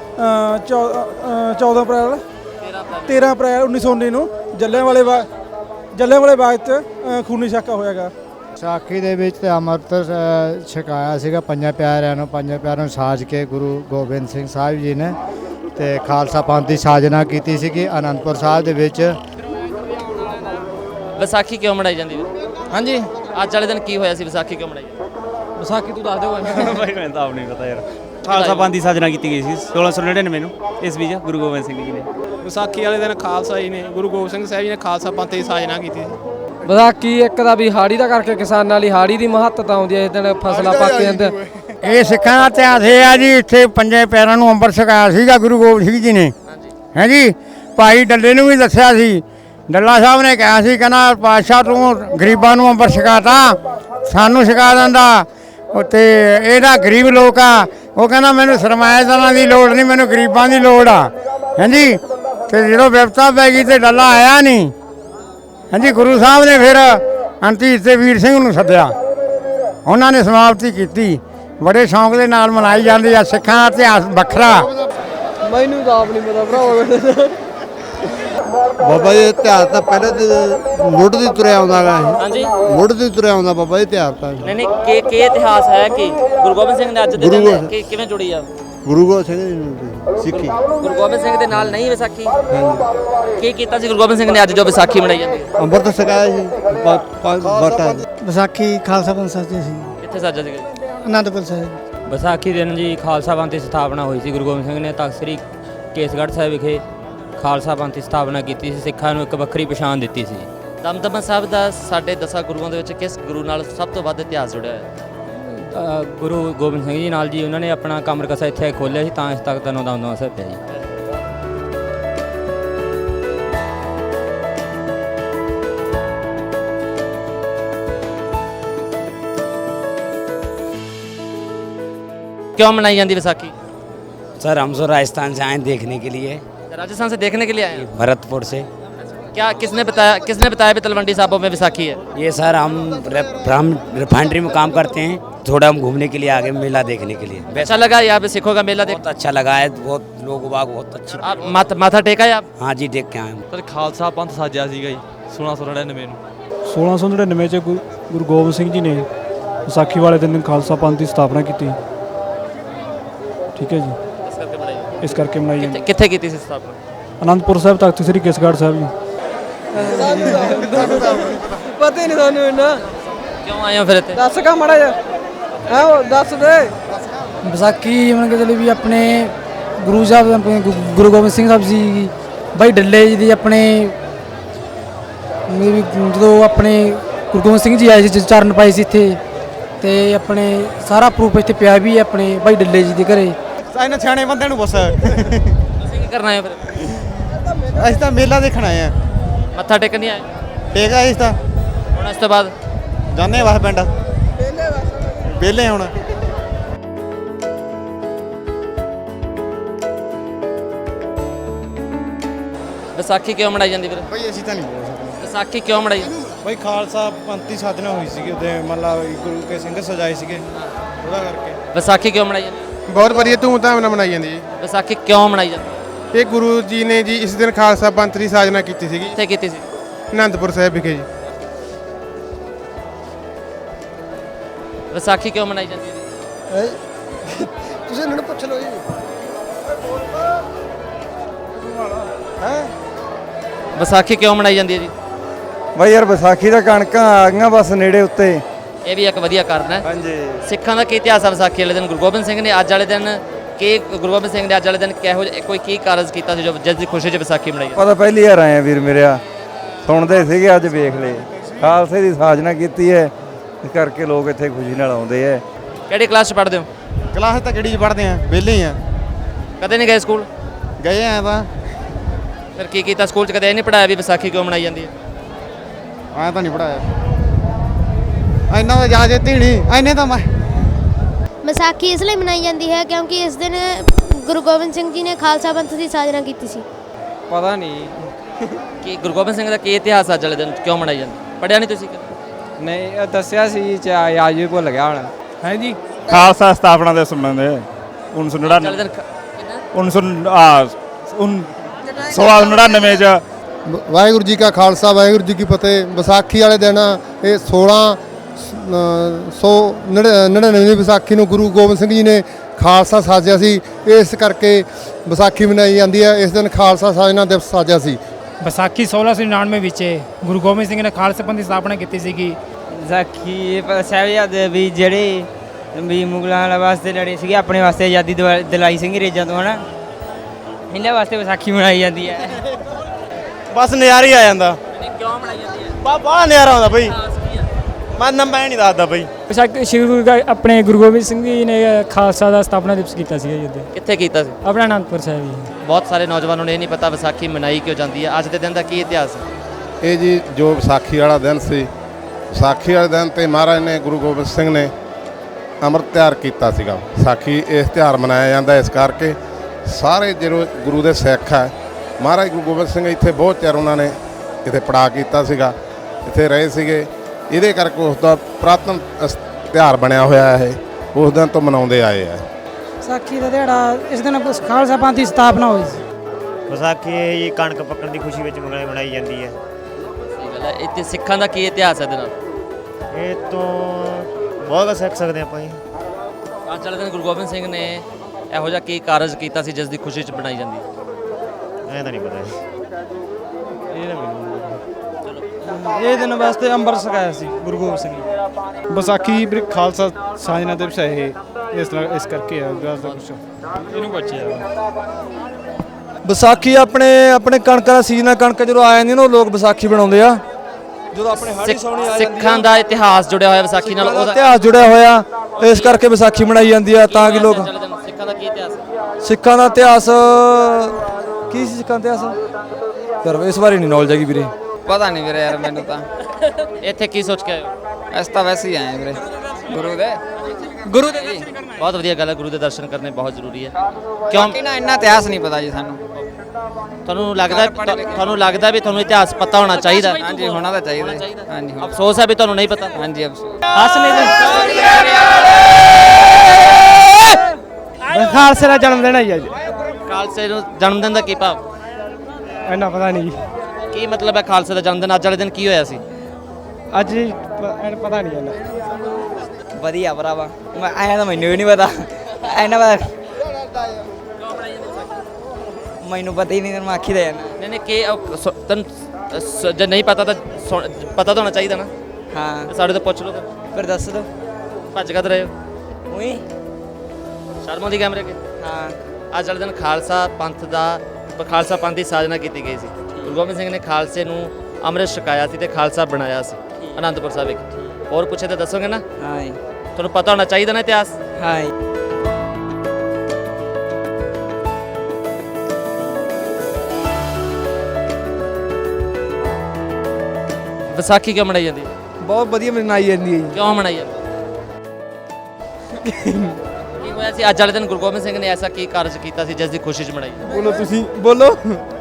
[SPEAKER 9] 14 ਅਪ੍ਰੈਲ 13 ਅਪ੍ਰੈਲ 1919 ਨੂੰ ਜਲਿਆਂਵਾਲੇ ਬਾਗ 'ਚ ਖੂਨੀ ਸਾਕਾ ਹੋਇਆਗਾ।
[SPEAKER 3] ਵਿਸਾਖੀ ਦੇ ਵਿੱਚ ਤੇ ਅੰਮ੍ਰਿਤ ਛਕਾਇਆ ਸੀਗਾ ਪੰਜਾਂ ਪਿਆਰਿਆਂ ਨੂੰ ਸਾਜ ਕੇ ਗੁਰੂ ਗੋਬਿੰਦ ਸਿੰਘ ਸਾਹਿਬ ਜੀ ਨੇ। ਤੇ ਖਾਲਸਾ ਪੰਥ ਦੀ ਸਾਜਨਾ ਕੀਤੀ ਸੀਗੀ ਅਨੰਦਪੁਰ ਸਾਹਿਬ ਦੇ ਵਿੱਚ।
[SPEAKER 1] ਵਿਸਾਖੀ ਕਿਉਂ ਮਨਾਈ ਜਾਂਦੀ ਹੈ?
[SPEAKER 2] ਹਾਂਜੀ
[SPEAKER 1] ਅੱਜ ਵਾਲੇ ਦਿਨ ਕੀ ਹੋਇਆ ਸੀ? ਵਿਸਾਖੀ ਕਿਉਂ ਮਨਾਈ ਜਾਂਦੀ?
[SPEAKER 5] ਵਿਸਾਖੀ ਤੂੰ ਦੱਸ ਦੇ
[SPEAKER 6] ਭਾਈ ਮੈਨੂੰ ਤਾਂ ਆਪ ਨਹੀਂ ਪਤਾ ਯਾਰ।
[SPEAKER 2] ਖਾਲਸਾ ਪੰਥ ਦੀ ਸਾਜਨਾ ਕੀਤੀ ਗਈ ਸੀ 1699 ਨੂੰ ਇਸ ਵਿੱਚ ਗੁਰੂ ਗੋਬਿੰਦ ਸਿੰਘ ਜੀ ਨੇ।
[SPEAKER 5] ਵਿਸਾਖੀ ਵਾਲੇ ਦਿਨ ਖਾਲਸਾ ਜੀ ਨੇ ਗੁਰੂ ਗੋਬਿੰਦ ਸਿੰਘ ਸਾਹਿਬ ਜੀ ਨੇ ਖਾਲਸਾ ਪੰਥ ਦੀ ਸਾਜਨਾ ਕੀਤੀ ਸੀ।
[SPEAKER 2] ਵਿਸਾਖੀ ਇੱਕ ਦਾ ਵੀ ਹਾੜੀ ਦਾ ਕਰਕੇ ਕਿਸਾਨਾਂ ਲਈ ਹਾੜੀ ਦੀ ਮਹੱਤਤਾ ਆਉਂਦੀ ਹੈ। ਇਸ ਦਿਨ ਫਸਲਾਂ ਪੱਕ ਜਾਂਦੀਆਂ।
[SPEAKER 3] ਇਹ ਸਿੱਖਾਂ ਦਾ ਇਤਿਹਾਸ ਇਹ ਆ ਜੀ, ਇੱਥੇ ਪੰਜੇ ਪੈਰਾਂ ਨੂੰ ਅੰਮ੍ਰਿਤ ਛਕਾਇਆ ਸੀਗਾ ਗੁਰੂ ਗੋਬਿੰਦ ਸਿੰਘ ਜੀ ਨੇ। ਹੈ ਜੀ, ਭਾਈ ਡੱਲੇ ਨੂੰ ਵੀ ਦੱਸਿਆ ਸੀ, ਡੱਲਾ ਸਾਹਿਬ ਨੇ ਕਿਹਾ ਸੀ, ਕਹਿੰਦਾ ਪਾਤਸ਼ਾਹ ਤੂੰ ਗਰੀਬਾਂ ਨੂੰ ਅੰਮ੍ਰਿਤ ਛਕਾਤਾ, ਸਾਨੂੰ ਛਕਾ ਦਿੰਦਾ। ਤੇ ਇਹਦਾ ਗਰੀਬ ਲੋਕ ਆ, ਉਹ ਕਹਿੰਦਾ ਮੈਨੂੰ ਸਰਮਾਏਦਾਰਾਂ ਦੀ ਲੋੜ ਨਹੀਂ, ਮੈਨੂੰ ਗਰੀਬਾਂ ਦੀ ਲੋੜ ਆ। ਹਾਂਜੀ, ਤੇ ਜਦੋਂ ਵਿਪਤਾ ਪੈ ਗਈ ਤੇ ਡੱਲਾ ਆਇਆ ਨਹੀਂ। ਹਾਂਜੀ, ਗੁਰੂ ਸਾਹਿਬ ਨੇ ਫਿਰ ਅੰਤੀਰ ਤੇ ਵੀਰ ਸਿੰਘ ਨੂੰ ਸੱਦਿਆ, ਉਹਨਾਂ ਨੇ ਸਮਾਪਤੀ ਕੀਤੀ। ਬੜੇ ਸ਼ੌਂਕ ਦੇ ਨਾਲ ਮਨਾਈ ਜਾਂਦੀ ਆ। ਸਿੱਖਾਂ ਦਾ ਇਤਿਹਾਸ ਵੱਖਰਾ।
[SPEAKER 2] ਮੈਨੂੰ ਤਾਂ ਆਪ ਨਹੀਂ ਪਤਾ ਭਰਾ।
[SPEAKER 3] ਬਾਬਾ ਜੀ ਇਤਿਹਾਸ ਤਾਂ ਪਹਿਲੇ ਮੁੱਢ ਦੀ ਤੁਰਿਆ ਆਉਂਦਾ ਗਾ।
[SPEAKER 1] ਹਾਂਜੀ
[SPEAKER 3] ਮੁੱਢ ਦੀ ਤੁਰਿਆ ਆਉਂਦਾ ਬਾਬਾ ਜੀ ਇਤਿਹਾਸ ਤਾਂ।
[SPEAKER 1] ਨਹੀਂ ਕੀ ਇਤਿਹਾਸ ਹੈ ਕਿ ਗੁਰੂ ਗੋਬਿੰਦ ਸਿੰਘ ਨੇ ਅੱਜ ਦੇ ਦਿਨ ਕਿਵੇਂ ਜੁੜੀ ਆ?
[SPEAKER 3] ਗੁਰੂ ਗੋਬਿੰਦ ਸਿੰਘ ਜੀ ਸਿੱਖੀ
[SPEAKER 1] ਗੁਰੂ ਗੋਬਿੰਦ ਸਿੰਘ ਦੇ ਨਾਲ ਨਹੀਂ ਵਿਸਾਖੀ? ਕੀ ਕੀਤਾ ਸੀ ਗੁਰੂ ਗੋਬਿੰਦ ਸਿੰਘ ਨੇ ਅੱਜ ਜੋ ਵਿਸਾਖੀ ਮਨਾਈ ਜਾਂਦੀ ਹੈ?
[SPEAKER 3] ਅੰਮ੍ਰਿਤ ਛਕਾਇਆ ਸੀ ਬਾਟਾ।
[SPEAKER 2] ਵਿਸਾਖੀ ਖਾਲਸਾ ਪੰਥ ਸਾਜਿਆ ਸੀ
[SPEAKER 1] ਕਿੱਥੇ ਸਾਜਿਆ ਸੀਗਾ?
[SPEAKER 2] ਅਨੰਦਪੁਰ ਸਾਹਿਬ।
[SPEAKER 6] ਵਿਸਾਖੀ ਦਿਨ ਜੀ ਖਾਲਸਾ ਪੰਥ ਦੀ ਸਥਾਪਨਾ ਹੋਈ ਸੀ। ਗੁਰੂ ਗੋਬਿੰਦ ਸਿੰਘ ਨੇ ਤਖ਼ਤ ਸ੍ਰੀ ਕੇਸਗੜ੍ਹ ਸਾਹਿਬ ਵਿਖੇ ਖਾਲਸਾ ਪੰਥ ਦੀ ਸਥਾਪਨਾ ਕੀਤੀ ਸੀ। ਸਿੱਖਾਂ ਨੂੰ ਇੱਕ ਵੱਖਰੀ ਪਛਾਣ ਦਿੱਤੀ ਸੀ।
[SPEAKER 1] ਦਮਦਮਾ ਸਾਹਿਬ ਦਾ ਸਾਡੇ 10 ਗੁਰੂਆਂ ਦੇ ਵਿੱਚ ਕਿਸ ਗੁਰੂ ਨਾਲ ਸਭ ਤੋਂ ਵੱਧ ਇਤਿਹਾਸ ਜੁੜਿਆ ਹੈ?
[SPEAKER 6] ਗੁਰੂ ਗੋਬਿੰਦ ਸਿੰਘ ਜੀ ਨਾਲ ਜੀ। ਉਹਨਾਂ ਨੇ ਆਪਣਾ ਕਮਰ ਕਸਾ ਇੱਥੇ ਖੋਲ੍ਹਿਆ ਸੀ, ਤਾਂ ਇਸ ਤੱਕ ਦਾ ਦਮਦਮਾ ਸਾਹਿਬ ਪਿਆ ਜੀ।
[SPEAKER 1] क्यों मनाई जाती विसाखी?
[SPEAKER 2] सर हम तो राजस्थान से आए देखने के लिए।
[SPEAKER 1] राजस्थान से देखने के लिए आए हैं?
[SPEAKER 2] भरतपुर से।
[SPEAKER 1] क्या किसने बताया भी तलवंडी साबो में विसाखी है?
[SPEAKER 2] ये सर हम रिफाइनरी में काम करते हैं, थोड़ा हम घूमने के लिए आगे मेला देखने के लिए।
[SPEAKER 1] अच्छा लगा यहाँ पे सिखों का मेला देख?
[SPEAKER 2] बहुत अच्छा लगा है, बहुत लोग बाग बहुत अच्छे।
[SPEAKER 1] आप माथा टेका है आप?
[SPEAKER 2] हाँ जी, देख के आए।
[SPEAKER 5] ਸਰ ਖਾਲਸਾ ਪੰਥ ਸਾਜਿਆ ਸੀਗਾ ਜੀ 1699 ਨੂੰ।
[SPEAKER 9] 1699 ਚ ਗੁਰੂ ਗੋਬਿੰਦ ਸਿੰਘ ਜੀ ਨੇ ਵਿਸਾਖੀ ਵਾਲੇ ਦਿਨ ਖਾਲਸਾ ਪੰਥ ਦੀ ਸਥਾਪਨਾ ਕੀਤੀ। ਠੀਕ ਹੈ ਜੀ, ਇਸ ਕਰਕੇ ਮਨਾਈ ਜਾਂਦੀ।
[SPEAKER 1] कितने की थी स्थापना?
[SPEAKER 9] ਅਨੰਦਪੁਰ ਸਾਹਿਬ ਤਖਤ ਸ੍ਰੀ ਕੇਸਗੜ੍ਹ ਸਾਹਿਬ ਜੀ।
[SPEAKER 2] ਪਤਾ ਹੀ ਨਹੀਂ ਸਾਨੂੰ ਇਹਨਾਂ।
[SPEAKER 1] क्यों आए हो फिर इतने?
[SPEAKER 2] ਦੱਸ ਕਾ ਮੜਾ ਜਾ ਹੈ ਉਹ ਦੱਸ ਦੇ। ਵਿਸਾਖੀ ਮੰਨ ਕੇ ਚੱਲੇ ਵੀ ਆਪਣੇ ਗੁਰੂ ਸਾਹਿਬ ਆਪਣੇ ਗੁਰੂ ਗੋਬਿੰਦ ਸਿੰਘ ਸਾਹਿਬ ਜੀ ਬਾਈ ਡੱਲੇ ਜੀ ਦੀ ਆਪਣੇ ਜਦੋਂ ਆਪਣੇ ਗੁਰੂ ਗੋਬਿੰਦ ਸਿੰਘ ਜੀ ਆਏ ਸੀ ਚਰਨ ਪਾਏ ਸੀ ਇੱਥੇ, ਤੇ ਆਪਣੇ ਸਾਰਾ ਪ੍ਰੂਫ ਇੱਥੇ ਪਿਆ ਵੀ ਹੈ ਆਪਣੇ ਬਾਈ ਡੱਲੇ ਜੀ ਦੇ ਘਰੇ।
[SPEAKER 5] ਇਹਨਾਂ ਸਿਆਣੇ ਬੰਦਿਆਂ ਨੂੰ ਬਸ
[SPEAKER 1] ਤੁਸੀਂ ਕੀ ਕਰਨਾ ਹੈ ਫਿਰ?
[SPEAKER 5] ਅਸੀਂ ਤਾਂ ਮੇਲਾ ਦੇਖਣ ਆਏ ਆ।
[SPEAKER 1] ਮੱਥਾ ਟੇਕਣ ਨਹੀਂ ਆਏ?
[SPEAKER 5] ਠੀਕ ਆ, ਅਸੀਂ ਤਾਂ
[SPEAKER 1] ਹੁਣ ਇਸ ਤੋਂ ਬਾਅਦ
[SPEAKER 5] ਜਾਂਦੇ ਵਾਹ ਪਿੰਡ ਵਿਹਲੇ ਹੁਣ।
[SPEAKER 1] ਵਿਸਾਖੀ ਕਿਉਂ ਮਨਾਈ ਜਾਂਦੀ ਫਿਰ?
[SPEAKER 5] ਬਈ ਅਸੀਂ ਤਾਂ ਨਹੀਂ ਬੋਲ ਸਕਦੇ।
[SPEAKER 1] ਵਿਸਾਖੀ ਕਿਉਂ ਮਨਾਈ ਜਾਂਦੀ?
[SPEAKER 9] ਬਈ ਖਾਲਸਾ ਪੰਥ ਦੀ ਸਾਜਨਾ ਹੋਈ ਸੀਗੀ ਉਹਦੇ ਮਤਲਬ ਗੁਰੂ ਕੇ ਸਿੰਘ ਸਜਾਏ ਸੀਗੇ, ਉਹਦਾ ਕਰਕੇ।
[SPEAKER 1] ਵਿਸਾਖੀ ਕਿਉਂ ਮਨਾਈ ਜਾਂਦੀ?
[SPEAKER 10] ਬਹੁਤ ਵਧੀਆ ਧੂਮਧਾਮ ਨਾਲ ਮਨਾਈ ਜਾਂਦੀ ਜੀ।
[SPEAKER 1] ਵਿਸਾਖੀ ਕਿਉਂ ਮਨਾਈ ਜਾਂਦੀ?
[SPEAKER 10] ਇਹ ਗੁਰੂ ਜੀ ਨੇ ਜੀ ਇਸ ਦਿਨ ਖਾਲਸਾ ਪੰਥ ਦੀ ਸਾਜਨਾ ਕੀਤੀ ਸੀਗੀ
[SPEAKER 1] ਕਿੱਥੇ ਕੀਤੀ ਸੀ?
[SPEAKER 10] ਅਨੰਦਪੁਰ ਸਾਹਿਬ ਵਿਖੇ ਜੀ।
[SPEAKER 1] ਵਿਸਾਖੀ ਕਿਉਂ ਮਨਾਈ ਜਾਂਦੀ ਹੈ?
[SPEAKER 3] ਤੁਸੀਂ ਇਹਨਾਂ ਨੂੰ ਪੁੱਛ ਲਓ ਜੀ।
[SPEAKER 1] ਵਿਸਾਖੀ ਕਿਉਂ ਮਨਾਈ ਜਾਂਦੀ ਹੈ ਜੀ?
[SPEAKER 3] ਬਈ ਯਾਰ ਵਿਸਾਖੀ ਦਾ ਕਣਕਾਂ ਆ ਗਈਆਂ ਬਸ ਨੇੜੇ ਉੱਤੇ।
[SPEAKER 1] ਇਹ ਵੀ ਇੱਕ ਵਧੀਆ ਕਾਰਨ ਹੈ।
[SPEAKER 3] ਹਾਂਜੀ,
[SPEAKER 1] ਸਿੱਖਾਂ ਦਾ ਕੀ ਇਤਿਹਾਸ ਹੈ ਵਿਸਾਖੀ ਵਾਲੇ ਦਿਨ? ਗੁਰੂ ਗੋਬਿੰਦ ਸਿੰਘ ਨੇ ਅੱਜ ਵਾਲੇ ਦਿਨ ਗੁਰੂ ਗੋਬਿੰਦ ਸਿੰਘ ਨੇ ਅੱਜ ਵਾਲੇ ਦਿਨ ਕੋਈ ਕੀ ਕਾਰਜ ਕੀਤਾ ਸੀ ਜੋ ਜਿਸ ਦੀ ਖੁਸ਼ੀ 'ਚ ਵਿਸਾਖੀ ਮਨਾਈ ਜਾਂਦੀ?
[SPEAKER 3] ਪਤਾ ਪਹਿਲੀ ਵਾਰ ਆਏ ਆ ਵੀਰ ਮੇਰਿਆ, ਸੁਣਦੇ ਸੀਗੇ ਅੱਜ ਵੇਖ ਲਏ। ਖਾਲਸੇ ਦੀ ਸਾਜਨਾ ਕੀਤੀ ਹੈ, ਇਸ ਕਰਕੇ ਲੋਕ ਇੱਥੇ ਖੁਸ਼ੀ ਨਾਲ ਆਉਂਦੇ ਆ।
[SPEAKER 1] ਕਿਹੜੀ ਕਲਾਸ 'ਚ ਪੜ੍ਹਦੇ ਹੋ?
[SPEAKER 5] ਕਲਾਸ ਤਾਂ ਕਿਹੜੀ 'ਚ ਪੜ੍ਹਦੇ ਆ, ਵਿਹਲੇ ਹੀ ਆ।
[SPEAKER 1] ਕਦੇ ਨਹੀਂ ਗਏ ਸਕੂਲ?
[SPEAKER 5] ਗਏ ਆ ਤਾਂ
[SPEAKER 1] ਫਿਰ ਕੀ ਕੀਤਾ ਸਕੂਲ 'ਚ? ਕਦੇ ਇਹ ਨਹੀਂ ਪੜ੍ਹਾਇਆ ਵੀ ਵਿਸਾਖੀ ਕਿਉਂ ਮਨਾਈ ਜਾਂਦੀ ਹੈ?
[SPEAKER 5] ਆਇਆ ਤਾਂ ਨਹੀਂ ਪੜਾਇਆ ਇੰਨਾ ਤਾਂ ਜਾ ਜੇ ਧੀਣੀ ਐਨੇ ਤਾਂ ਮੈਂ।
[SPEAKER 11] ਵਿਸਾਖੀ ਇਸ ਲਈ ਮਨਾਈ ਜਾਂਦੀ ਹੈ ਕਿਉਂਕਿ ਇਸ ਦਿਨ ਗੁਰੂ ਗੋਬਿੰਦ ਸਿੰਘ ਜੀ ਨੇ ਖਾਲਸਾ ਪੰਥ ਦੀ ਸਾਜਨਾ ਕੀਤੀ ਸੀ।
[SPEAKER 2] ਪਤਾ ਨਹੀਂ
[SPEAKER 1] ਕਿ ਗੁਰੂ ਗੋਬਿੰਦ ਸਿੰਘ ਦਾ ਕੀ ਇਤਿਹਾਸ ਅੱਜ ਵਾਲੇ ਦਿਨ ਕਿਉਂ ਮਨਾਈ ਜਾਂਦੀ? ਪੜ੍ਹਿਆ ਨਹੀਂ ਤੁਸੀਂ?
[SPEAKER 2] ਨਹੀਂ ਦੱਸਿਆ ਸੀ ਅੱਜ ਵੀ ਭੁੱਲ ਗਿਆ ਹੁਣ।
[SPEAKER 8] ਹੈ ਜੀ ਖਾਲਸਾ ਸਥਾਪਨਾ ਦੇ ਸੰਬੰਧ 1999 1699 ਚ।
[SPEAKER 3] ਵਾਹਿਗੁਰੂ ਜੀ ਕਾ ਖਾਲਸਾ ਵਾਹਿਗੁਰੂ ਜੀ ਕੀ ਫਤਿਹ। ਵਿਸਾਖੀ ਵਾਲੇ ਦਿਨ ਇਹ 1699 ਵਿਸਾਖੀ ਨੂੰ ਗੁਰੂ ਗੋਬਿੰਦ ਸਿੰਘ ਜੀ ਨੇ ਖਾਲਸਾ ਸਾਜਿਆ ਸੀ, ਇਸ ਕਰਕੇ ਵਿਸਾਖੀ ਮਨਾਈ ਜਾਂਦੀ ਹੈ। ਇਸ ਦਿਨ ਖਾਲਸਾ ਸਾਜਨਾ ਦਿਵਸ ਸਾਜਿਆ ਸੀ।
[SPEAKER 2] ਵਿਸਾਖੀ 1699 ਵਿੱਚ ਗੁਰੂ ਗੋਬਿੰਦ ਸਿੰਘ ਨੇ ਖਾਲਸਾ ਪੰਥ ਦੀ ਸਥਾਪਨਾ ਕੀਤੀ ਸੀਗੀ। ਵਿਸਾਖੀ ਸਾਹਿਬਜ਼ਾਦੇ ਵੀ ਜਿਹੜੇ ਵੀ ਮੁਗਲਾਂ ਵਾਸਤੇ ਲੜੇ ਸੀਗੇ, ਆਪਣੇ ਵਾਸਤੇ ਆਜ਼ਾਦੀ ਦਿਲਾਈ ਸੀ ਅੰਗਰੇਜ਼ਾਂ ਤੋਂ ਹਨਾ। ਇਹਨਾਂ ਵਾਸਤੇ ਵਿਸਾਖੀ ਮਨਾਈ ਜਾਂਦੀ ਹੈ।
[SPEAKER 5] ਬਸ ਨਜ਼ਾਰਾ ਹੀ ਆ ਜਾਂਦਾ।
[SPEAKER 1] ਕਿਉਂ ਮਨਾਈ ਜਾਂਦੀ ਹੈ?
[SPEAKER 5] ਬਾਹਲਾ ਨਜ਼ਾਰਾ ਆਉਂਦਾ ਬਈ। ਮੈਂ ਨਹੀਂ ਦੱਸਦਾ ਬਈ।
[SPEAKER 9] ਵਿਸਾਖੀ ਆਪਣੇ ਗੁਰੂ ਗੋਬਿੰਦ ਸਿੰਘ ਜੀ ਨੇ ਖਾਲਸਾ ਦਾ ਸਥਾਪਨਾ ਦਿਵਸ ਕੀਤਾ ਸੀ ਜੀ।
[SPEAKER 1] ਕਿੱਥੇ ਕੀਤਾ ਸੀ?
[SPEAKER 9] ਆਪਣਾ ਅਨੰਦਪੁਰ ਸਾਹਿਬ ਜੀ।
[SPEAKER 1] ਬਹੁਤ ਸਾਰੇ ਨੌਜਵਾਨਾਂ ਨੂੰ ਇਹ ਨਹੀਂ ਪਤਾ ਵਿਸਾਖੀ ਮਨਾਈ ਕਿਉਂ ਜਾਂਦੀ ਹੈ। ਅੱਜ ਦੇ ਦਿਨ ਦਾ ਕੀ ਇਤਿਹਾਸ ਹੈ?
[SPEAKER 10] ਇਹ ਜੀ ਜੋ ਵਿਸਾਖੀ ਵਾਲਾ ਦਿਨ ਸੀ, ਵਿਸਾਖੀ ਵਾਲੇ ਦਿਨ ਤੇ ਮਹਾਰਾਜ ਨੇ ਗੁਰੂ ਗੋਬਿੰਦ ਸਿੰਘ ਨੇ ਅੰਮ੍ਰਿਤ ਤਿਆਰ ਕੀਤਾ ਸੀਗਾ। ਵਿਸਾਖੀ ਇਸ ਤਿਉਹਾਰ ਮਨਾਇਆ ਜਾਂਦਾ ਇਸ ਕਰਕੇ ਸਾਰੇ ਜਿਹੜੇ ਗੁਰੂ ਦੇ ਸਿੱਖ ਹੈ, ਮਹਾਰਾਜ ਗੁਰੂ ਗੋਬਿੰਦ ਸਿੰਘ ਇੱਥੇ ਬਹੁਤ ਚਿਰ ਉਹਨਾਂ ਨੇ ਇੱਥੇ ਪੜਾਅ ਕੀਤਾ ਸੀਗਾ, ਇੱਥੇ ਰਹੇ ਸੀਗੇ। ਇਹਦੇ ਕਰਕੇ ਉਸ ਦਾ ਪੁਰਾਤਨ ਤਿਉਹਾਰ ਬਣਿਆ ਹੋਇਆ ਹੈ, ਉਸ ਦਿਨ ਤੋਂ ਮਨਾਉਂਦੇ ਆਏ ਆ।
[SPEAKER 2] ਵਿਸਾਖੀ ਦਾ ਦਿਹਾੜਾ ਇਸ ਦਿਨ ਖਾਲਸਾ ਪੰਥ ਦੀ ਸਥਾਪਨਾ ਹੋਈ ਸੀ।
[SPEAKER 6] ਵਿਸਾਖੀ ਜੀ ਕਣਕ ਪੱਕਣ ਦੀ ਖੁਸ਼ੀ ਵਿੱਚ ਮਨਾਈ ਜਾਂਦੀ ਹੈ।
[SPEAKER 1] ਸਹੀ ਗੱਲ ਹੈ। ਇੱਥੇ ਸਿੱਖਾਂ ਦਾ ਕੀ ਇਤਿਹਾਸ ਹੈ ਇਹਦੇ ਨਾਲ?
[SPEAKER 6] ਇਹ ਤੋਂ ਬਹੁਤ ਸਿੱਖ ਸਕਦੇ ਆਪਾਂ ਜੀ।
[SPEAKER 1] ਅੱਜ ਵਾਲੇ ਦਿਨ ਗੁਰੂ ਗੋਬਿੰਦ ਸਿੰਘ ਨੇ ਇਹੋ ਜਿਹਾ ਕੀ ਕਾਰਜ ਕੀਤਾ ਸੀ ਜਿਸ ਦੀ ਖੁਸ਼ੀ 'ਚ ਬਣਾਈ ਜਾਂਦੀ ਹੈ?
[SPEAKER 6] ਐਂ ਤਾਂ ਨਹੀਂ ਪਤਾ ਜੀ।
[SPEAKER 2] ਇਹ ਦਿਨ ਵਾਸਤੇ ਅੰਮ੍ਰਿਤ ਛਕਾਇਆ ਸੀ ਗੁਰੂ ਗੋਬਿੰਦ ਸਿੰਘ ਜੀ।
[SPEAKER 9] ਵਿਸਾਖੀ ਖਾਲਸਾ ਸਾਜਨਾ ਦਿਵਸ ਹੈ ਇਹ, ਇਸ ਕਰਕੇ ਹੈ ਇਹਨੂੰ ਬੱਚਿਆ।
[SPEAKER 2] ਵਿਸਾਖੀ ਆਪਣੇ ਕਣਕਾਂ ਦਾ ਸੀਜ਼ਨ, ਕਣਕ ਜਦੋਂ ਆ ਜਾਂਦੀ ਨਾ ਉਹ ਲੋਕ ਵਿਸਾਖੀ ਬਣਾਉਂਦੇ ਆ। ਜਦੋਂ ਆਪਣੇ ਹਾੜੀ ਸੌਣੀ ਆ ਜਾਂਦੀ
[SPEAKER 1] ਸਿੱਖਾਂ ਦਾ ਇਤਿਹਾਸ ਜੁੜਿਆ ਹੋਇਆ ਵਿਸਾਖੀ ਨਾਲ, ਉਹਦਾ
[SPEAKER 2] ਇਤਿਹਾਸ ਜੁੜਿਆ ਹੋਇਆ, ਇਸ ਕਰਕੇ ਵਿਸਾਖੀ ਮਨਾਈ ਜਾਂਦੀ ਆ ਤਾਂ ਕਿ ਲੋਕ।
[SPEAKER 1] ਸਿੱਖਾਂ ਦਾ ਕੀ ਇਤਿਹਾਸ ਹੈ?
[SPEAKER 2] ਸਿੱਖਾਂ ਦਾ ਇਤਿਹਾਸ ਕੀ ਸੀ? ਸਿੱਖਾਂ ਦਾ ਇਤਿਹਾਸ ਯਾਰ ਇਸ ਬਾਰੇ ਨਹੀਂ ਨੌਲੇਜ ਹੈਗੀ ਵੀਰੇ।
[SPEAKER 12] ਪਤਾ ਨਹੀਂ ਵੀਰੇ ਯਾਰ ਮੈਨੂੰ ਤਾਂ।
[SPEAKER 1] ਇੱਥੇ ਕੀ ਸੋਚ ਕੇ ਆਏ ਹੋ?
[SPEAKER 12] ਅਸੀਂ ਤਾਂ ਵੈਸੇ ਹੀ ਆਏ ਵੀਰੇ ਗੁਰੂ ਦੇ ਜੀ।
[SPEAKER 1] ਬਹੁਤ ਵਧੀਆ ਗੱਲ ਹੈ, ਗੁਰੂ ਦੇ ਦਰਸ਼ਨ ਕਰਨੇ ਬਹੁਤ ਜ਼ਰੂਰੀ ਹੈ। ਕਿਉਂ?
[SPEAKER 12] ਕਿ ਨਾ ਇੰਨਾ ਇਤਿਹਾਸ ਨਹੀਂ ਪਤਾ ਜੀ ਸਾਨੂੰ।
[SPEAKER 1] ਤੁਹਾਨੂੰ ਲੱਗਦਾ ਵੀ ਤੁਹਾਨੂੰ ਇਤਿਹਾਸ ਪਤਾ ਹੋਣਾ ਚਾਹੀਦਾ?
[SPEAKER 12] ਹਾਂਜੀ ਹੋਣਾ ਤਾਂ ਚਾਹੀਦਾ। ਹਾਂਜੀ
[SPEAKER 1] ਅਫਸੋਸ ਹੈ ਵੀ ਤੁਹਾਨੂੰ ਨਹੀਂ ਪਤਾ।
[SPEAKER 12] ਹਾਂਜੀ ਅਫਸੋਸ।
[SPEAKER 2] ਖਾਲਸੇ ਦਾ ਜਨਮ ਦਿਨ ਹੈ ਜੀ ਅੱਜ।
[SPEAKER 1] ਖਾਲਸੇ ਨੂੰ ਜਨਮ ਦਿਨ ਦਾ ਕੀ ਭਾਵ?
[SPEAKER 2] ਇੰਨਾ ਪਤਾ ਨਹੀਂ
[SPEAKER 1] ਕੀ ਮਤਲਬ ਹੈ ਖਾਲਸੇ ਦਾ ਜਨਮ ਦਿਨ? ਅੱਜ ਵਾਲੇ ਦਿਨ ਕੀ ਹੋਇਆ ਸੀ?
[SPEAKER 2] ਅੱਜ ਪਤਾ ਨਹੀਂ ਜਾਂਦਾ।
[SPEAKER 12] ਵਧੀਆ ਭਰਾਵਾ, ਆਇਆ ਤਾਂ ਮੈਨੂੰ ਵੀ ਨਹੀਂ ਪਤਾ। ਇੰਨਾ ਪਤਾ ਮੈਨੂੰ ਪਤਾ ਹੀ ਨਹੀਂ, ਤੈਨੂੰ ਆਖੀ ਦਾ ਜਾਂਦਾ।
[SPEAKER 1] ਨਹੀਂ ਤੈਨੂੰ ਜੇ ਨਹੀਂ ਪਤਾ ਤਾਂ ਪਤਾ ਤਾਂ ਹੋਣਾ ਚਾਹੀਦਾ ਨਾ।
[SPEAKER 12] ਹਾਂ
[SPEAKER 1] ਸਾਡੇ ਤੋਂ ਪੁੱਛ ਲਓ
[SPEAKER 12] ਫਿਰ ਦੱਸ ਦੋ।
[SPEAKER 1] ਭੱਜ ਕਦ ਰਹੇ ਹੋ?
[SPEAKER 12] ਉਹੀ
[SPEAKER 1] ਸ਼ਰਮ ਆਉਂਦੀ ਕੈਮਰੇ ਅੱਗੇ?
[SPEAKER 12] ਹਾਂ।
[SPEAKER 1] ਅੱਜ ਵਾਲੇ ਦਿਨ ਖਾਲਸਾ ਪੰਥ ਦੀ ਸਾਜਨਾ ਕੀਤੀ ਗਈ ਸੀ। ਗੁਰੂ ਗੋਬਿੰਦ ਸਿੰਘ ਨੇ ਖਾਲਸੇ ਨੂੰ ਅੰਮ੍ਰਿਤ ਛਕਾਇਆ ਸੀ ਤੇ ਖਾਲਸਾ ਬਣਾਇਆ ਸੀ ਅਨੰਦਪੁਰ ਸਾਹਿਬ ਵਿਖੇ। ਹੋਰ ਪੁੱਛੇ ਤਾਂ ਦੱਸੋਗੇ ਨਾ?
[SPEAKER 12] ਹਾਂ ਜੀ।
[SPEAKER 1] ਤੁਹਾਨੂੰ ਪਤਾ ਹੋਣਾ ਚਾਹੀਦਾ ਨਾ ਇਤਿਹਾਸ।
[SPEAKER 12] ਹਾਂ ਜੀ।
[SPEAKER 1] ਵਿਸਾਖੀ ਕਿਉਂ ਮਨਾਈ ਜਾਂਦੀ ਹੈ?
[SPEAKER 2] ਬਹੁਤ ਵਧੀਆ ਮਨਾਈ ਜਾਂਦੀ ਹੈ ਜੀ।
[SPEAKER 1] ਕਿਉਂ ਮਨਾਈ ਜਾਂਦੀ? ਕੀ ਹੋਇਆ ਸੀ ਅੱਜ ਵਾਲੇ ਦਿਨ? ਗੁਰੂ ਗੋਬਿੰਦ ਸਿੰਘ ਨੇ ਐਸਾ ਕੀ ਕਾਰਜ ਕੀਤਾ ਸੀ ਜਿਸ ਦੀ ਖੁਸ਼ੀ 'ਚ ਮਨਾਈ?
[SPEAKER 2] ਬੋਲੋ ਤੁਸੀਂ ਬੋਲੋ।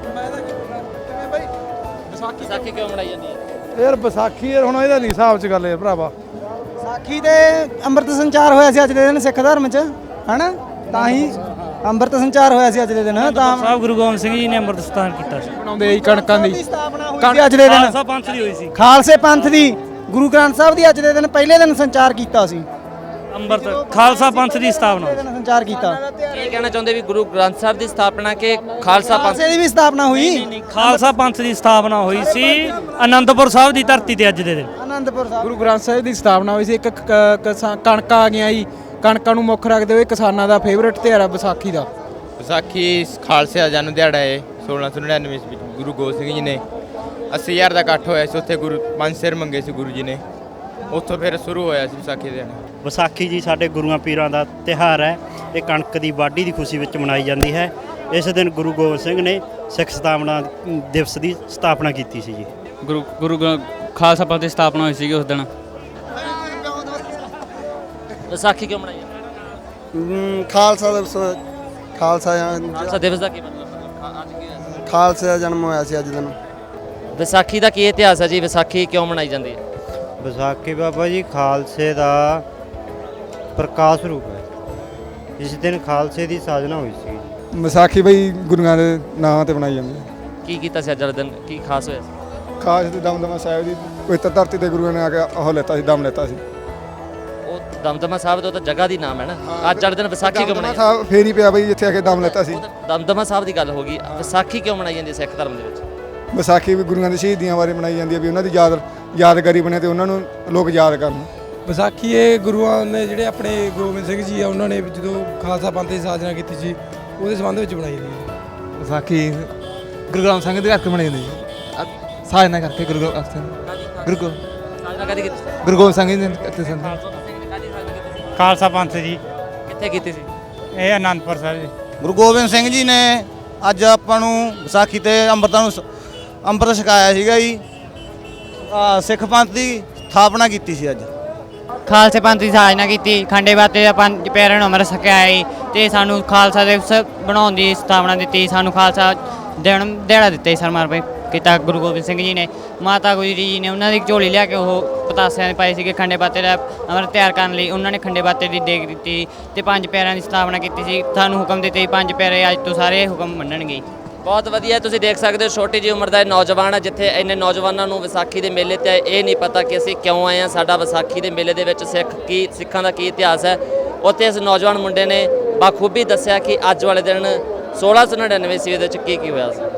[SPEAKER 1] ਵਿਸਾਖੀ ਕਿਉਂ ਮਨਾਈ ਜਾਂਦੀ ਹੈ?
[SPEAKER 9] ਯਾਰ ਵਿਸਾਖੀ ਯਾਰ ਹੁਣ ਇਹਦਾ ਨਹੀਂ ਹਿਸਾਬ 'ਚ ਗੱਲ ਹੈ ਭਰਾਵਾ।
[SPEAKER 2] ਵਿਸਾਖੀ ਤੇ ਅੰਮ੍ਰਿਤ ਸੰਚਾਰ ਹੋਇਆ ਸੀ ਅੱਜ ਦੇ ਦਿਨ ਸਿੱਖ ਧਰਮ 'ਚ ਹਨਾ, ਤਾਂ ਹੀ ਅੰਮ੍ਰਿਤ ਸੰਚਾਰ ਹੋਇਆ ਸੀ ਅੱਜ ਦੇ ਦਿਨ। ਤਾਂ
[SPEAKER 9] ਸਾਹਿਬ ਗੁਰੂ ਗੋਬਿੰਦ ਸਿੰਘ ਜੀ ਨੇ ਅੰਮ੍ਰਿਤ ਸਥਾਨ ਕੀਤਾ ਸੀ।
[SPEAKER 2] ਬਣਾਉਂਦੇ ਜੀ ਕਣਕਾਂ ਦੀ ਸਥਾਪਨਾ ਅੱਜ ਦੇ ਦਿਨ।
[SPEAKER 9] ਖਾਲਸਾ ਪੰਥ ਦੀ ਹੋਈ ਸੀ।
[SPEAKER 2] ਖਾਲਸੇ ਪੰਥ ਦੀ ਗੁਰੂ ਗ੍ਰੰਥ ਸਾਹਿਬ ਦੀ ਅੱਜ ਦੇ ਦਿਨ ਪਹਿਲੇ ਦਿਨ ਸੰਚਾਰ ਕੀਤਾ ਸੀ।
[SPEAKER 9] ਅੰਮ੍ਰਿਤ ਖਾਲਸਾ ਪੰਥ ਦੀ ਸਥਾਪਨਾ
[SPEAKER 2] ਦਿਨ ਸੰਚਾਰ ਕੀਤਾ।
[SPEAKER 1] ਕੀ ਕਹਿਣਾ ਚਾਹੁੰਦੇ ਵੀ ਗੁਰੂ ਗ੍ਰੰਥ ਸਾਹਿਬ ਦੀ ਸਥਾਪਨਾ ਕਿ ਖਾਲਸਾ ਪੰਥ
[SPEAKER 2] ਖਾਲਸੇ ਦੀ ਵੀ ਸਥਾਪਨਾ ਹੋਈ।
[SPEAKER 9] ਖਾਲਸਾ ਪੰਥ ਦੀ ਸਥਾਪਨਾ ਹੋਈ ਸੀ ਅਨੰਦਪੁਰ ਸਾਹਿਬ ਦੀ ਧਰਤੀ ਤੇ ਅੱਜ ਦੇ ਦਿਨ।
[SPEAKER 2] ਅਨੰਦਪੁਰ ਸਾਹਿਬ ਗੁਰੂ ਗ੍ਰੰਥ ਸਾਹਿਬ ਦੀ ਸਥਾਪਨਾ ਹੋਈ ਸੀ। ਇੱਕ ਕਣਕਾਂ ਆ ਗਈਆਂ ਜੀ, ਕਣਕਾਂ ਨੂੰ ਮੁੱਖ ਰੱਖਦੇ ਹੋਏ ਕਿਸਾਨਾਂ ਦਾ ਫੇਵਰਟ ਤਿਉਹਾਰ ਆ ਵਿਸਾਖੀ ਦਾ।
[SPEAKER 12] ਵਿਸਾਖੀ ਖਾਲਸੇ ਦਾ ਜਨਮ ਦਿਹਾੜਾ ਹੈ। 1699 ਵਿੱਚ ਗੁਰੂ ਗੋਬਿੰਦ ਸਿੰਘ ਜੀ ਨੇ 80,000 ਦਾ ਇਕੱਠ ਹੋਇਆ ਸੀ। ਉੱਥੇ ਗੁਰੂ 5 ਸਿਰ ਮੰਗੇ ਸੀ ਗੁਰੂ ਜੀ ਨੇ। ਉੱਥੋਂ ਫਿਰ ਸ਼ੁਰੂ ਹੋਇਆ ਸੀ ਵਿਸਾਖੀ ਦੇ।
[SPEAKER 9] ਵਿਸਾਖੀ ਜੀ ਸਾਡੇ ਗੁਰੂਆਂ ਪੀਰਾਂ ਦਾ ਤਿਉਹਾਰ ਹੈ। ਇਹ ਕਣਕ ਦੀ ਵਾਢੀ ਦੀ ਖੁਸ਼ੀ ਵਿੱਚ ਮਨਾਈ ਜਾਂਦੀ ਹੈ। ਇਸ ਦਿਨ ਗੁਰੂ ਗੋਬਿੰਦ ਸਿੰਘ ਨੇ ਸਿੱਖ ਸਥਾਪਨਾ ਦਿਵਸ ਦੀ ਸਥਾਪਨਾ ਕੀਤੀ ਸੀ ਜੀ।
[SPEAKER 12] ਗੁਰੂ ਖਾਲਸਾ ਪੰਥ ਦੀ ਸਥਾਪਨਾ ਹੋਈ ਸੀ ਉਸ ਦਿਨ।
[SPEAKER 1] ਵਿਸਾਖੀ ਕਿਉਂ ਮਨਾਈ ਜਾਂਦੀ?
[SPEAKER 2] ਖਾਲਸਾ ਦਿਵਸ ਖਾਲਸਾ
[SPEAKER 1] ਦਿਵਸ ਦਾ ਕੀ ਮਤਲਬ? ਅੱਜ ਕੀ ਹੋਇਆ?
[SPEAKER 2] ਖਾਲਸੇ ਦਾ ਜਨਮ ਹੋਇਆ ਸੀ ਅੱਜ ਦਿਨ।
[SPEAKER 1] ਵਿਸਾਖੀ ਦਾ ਕੀ ਇਤਿਹਾਸ ਹੈ ਜੀ? ਵਿਸਾਖੀ ਕਿਉਂ ਮਨਾਈ ਜਾਂਦੀ ਹੈ?
[SPEAKER 6] ਵਿਸਾਖੀ ਬਾਬਾ ਜੀ ਖਾਲਸੇ ਦਾ ਪ੍ਰਕਾਸ਼ ਰੂਪ ਹੈ। ਇਸ ਦਿਨ ਖਾਲਸੇ ਦੀ ਸਾਜਨਾ ਹੋਈ ਸੀ।
[SPEAKER 2] ਵਿਸਾਖੀ ਬਈ ਗੁਰੂਆਂ ਦੇ ਨਾਂ ਤੇ ਬਣਾਈ ਜਾਂਦੀ ਹੈ।
[SPEAKER 1] ਕੀ ਕੀਤਾ ਸੀ ਅੱਜ ਵਾਲੇ ਦਿਨ? ਕੀ ਖਾਸ ਹੋਇਆ ਸੀ?
[SPEAKER 2] ਖਾਸ ਤੇ ਦਮਦਮਾ ਸਾਹਿਬ ਦੀ ਪਵਿੱਤਰ ਧਰਤੀ ਤੇ ਗੁਰੂਆਂ ਨੇ ਆ ਕੇ ਉਹ ਲੈਤਾ ਸੀ, ਦਮ ਲੈਤਾ ਸੀ।
[SPEAKER 1] ਉਹ ਦਮਦਮਾ ਸਾਹਿਬ ਦਾ ਤਾਂ ਜਗ੍ਹਾ ਦੀ ਨਾਮ ਹੈ ਨਾ। ਅੱਜ ਵਾਲੇ ਦਿਨ ਵਿਸਾਖੀ ਕਿਉਂ ਮਨਾਈ?
[SPEAKER 2] ਸਾਹਿਬ ਫੇਰ ਹੀ ਪਿਆ ਬਈ ਜਿੱਥੇ ਆ ਕੇ ਦਮ ਲੈਤਾ ਸੀ।
[SPEAKER 1] ਦਮਦਮਾ ਸਾਹਿਬ ਦੀ ਗੱਲ ਹੋ ਗਈ। ਵਿਸਾਖੀ ਕਿਉਂ ਮਨਾਈ ਜਾਂਦੀ ਹੈ ਸਿੱਖ ਧਰਮ ਦੇ ਵਿੱਚ?
[SPEAKER 2] ਵਿਸਾਖੀ ਵੀ ਗੁਰੂਆਂ ਦੀ ਸ਼ਹੀਦੀਆਂ ਬਾਰੇ ਮਨਾਈ ਜਾਂਦੀ ਹੈ ਵੀ ਉਹਨਾਂ ਦੀ ਯਾਦਗਾਰੀ ਬਣੇ ਤੇ ਉਹਨਾਂ ਨੂੰ ਲੋਕ ਯਾਦ ਕਰਨ। ਵਿਸਾਖੀ ਇਹ ਗੁਰੂਆਂ ਨੇ ਜਿਹੜੇ ਆਪਣੇ ਗੋਬਿੰਦ ਸਿੰਘ ਜੀ ਆ ਉਹਨਾਂ ਨੇ ਜਦੋਂ ਖਾਲਸਾ ਪੰਥ ਦੀ ਸਾਜਨਾ ਕੀਤੀ ਸੀ ਉਹਦੇ ਸੰਬੰਧ ਵਿੱਚ ਬਣਾਈ ਗਈ ਵਿਸਾਖੀ ਗੁਰੂ ਗ੍ਰੰਥ ਸਾਹਿਬ ਦੇ ਕਰਕੇ ਬਣਾਈ ਜਾਂਦੀ ਜੀ ਸਾਜਨਾ ਕਰਕੇ ਗੁਰੂ ਗ੍ਰੰਥ ਸਾਹਿਬ
[SPEAKER 1] ਸਾਜਨਾ ਕਦੀ ਕੀਤੀ ਸੀ?
[SPEAKER 2] ਗੁਰੂ ਗੋਬਿੰਦ ਸਿੰਘ ਜੀ ਨੇ ਕੀਤੀ ਸੀ
[SPEAKER 9] ਖਾਲਸਾ ਪੰਥ ਜੀ
[SPEAKER 1] ਕਿੱਥੇ ਕੀਤੀ ਸੀ?
[SPEAKER 9] ਇਹ ਆਨੰਦਪੁਰ ਸਾਹਿਬ ਜੀ।
[SPEAKER 5] ਗੁਰੂ ਗੋਬਿੰਦ ਸਿੰਘ ਜੀ ਨੇ ਅੱਜ ਆਪਾਂ ਨੂੰ ਵਿਸਾਖੀ ਤੇ ਅੰਮ੍ਰਿਤ ਛਕਾਇਆ ਸੀਗਾ ਜੀ। ਸਿੱਖ ਪੰਥ ਦੀ ਸਥਾਪਨਾ ਕੀਤੀ ਸੀ ਅੱਜ।
[SPEAKER 2] ਖਾਲਸੇ ਪੰਥ ਦੀ ਸਾਜਨਾ ਕੀਤੀ, ਖੰਡੇ ਬਾਤੇ ਦਾ ਪੰਜ ਪਿਆਰਿਆਂ ਨੂੰ ਅੰਮ੍ਰਿਤ ਛਕਾਇਆ ਤੇ ਸਾਨੂੰ ਖਾਲਸਾ ਦਿਵਸ ਬਣਾਉਣ ਦੀ ਸਥਾਪਨਾ ਦਿੱਤੀ। ਸਾਨੂੰ ਖਾਲਸਾ ਦਿਹਾੜਾ ਦਿੱਤਾ ਸਰਮਾਰ ਕੀਤਾ ਗੁਰੂ ਗੋਬਿੰਦ ਸਿੰਘ ਜੀ ਨੇ। ਮਾਤਾ ਗੁਜਰੀ ਜੀ ਨੇ ਉਹਨਾਂ ਦੀ ਝੋਲੀ ਲਿਆ ਕੇ ਉਹ ਪਤਾਸਿਆਂ ਦੇ ਪਾਏ ਸੀਗੇ ਖੰਡੇ ਬਾਤੇ ਦਾ ਅੰਮ੍ਰਿਤ ਤਿਆਰ ਕਰਨ ਲਈ। ਉਹਨਾਂ ਨੇ ਖੰਡੇ ਬਾਤੇ ਦੀ ਦੇਗ ਦਿੱਤੀ ਤੇ ਪੰਜ ਪਿਆਰਿਆਂ ਦੀ ਸਥਾਪਨਾ ਕੀਤੀ ਸੀ। ਸਾਨੂੰ ਹੁਕਮ ਦਿੱਤੇ ਪੰਜ ਪਿਆਰੇ ਅੱਜ ਤੋਂ ਸਾਰੇ ਹੁਕਮ ਮੰਨਣਗੇ।
[SPEAKER 1] ਬਹੁਤ ਵਧੀਆ, ਤੁਸੀਂ ਦੇਖ ਸਕਦੇ ਹੋ ਛੋਟੀ ਜਿਹੀ ਉਮਰ ਦਾ ਇਹ ਨੌਜਵਾਨ ਹੈ, ਜਿੱਥੇ ਇੰਨੇ ਨੌਜਵਾਨਾਂ ਨੂੰ ਵਿਸਾਖੀ ਦੇ ਮੇਲੇ ਤੇ ਇਹ ਨਹੀਂ ਪਤਾ ਕਿ ਅਸੀਂ ਕਿਉਂ ਆਏ ਹਾਂ, ਸਾਡਾ ਵਿਸਾਖੀ ਦੇ ਮੇਲੇ ਦੇ ਵਿੱਚ ਸਿੱਖਾਂ ਦਾ ਕੀ ਇਤਿਹਾਸ ਹੈ। ਉੱਥੇ ਇਸ ਨੌਜਵਾਨ ਮੁੰਡੇ ਨੇ ਬਾਖੂਬੀ ਦੱਸਿਆ ਕਿ ਅੱਜ ਵਾਲੇ ਦਿਨ 1699 ਈਸਵੀ ਦੇ ਵਿੱਚ ਕੀ ਹੋਇਆ ਸੀ।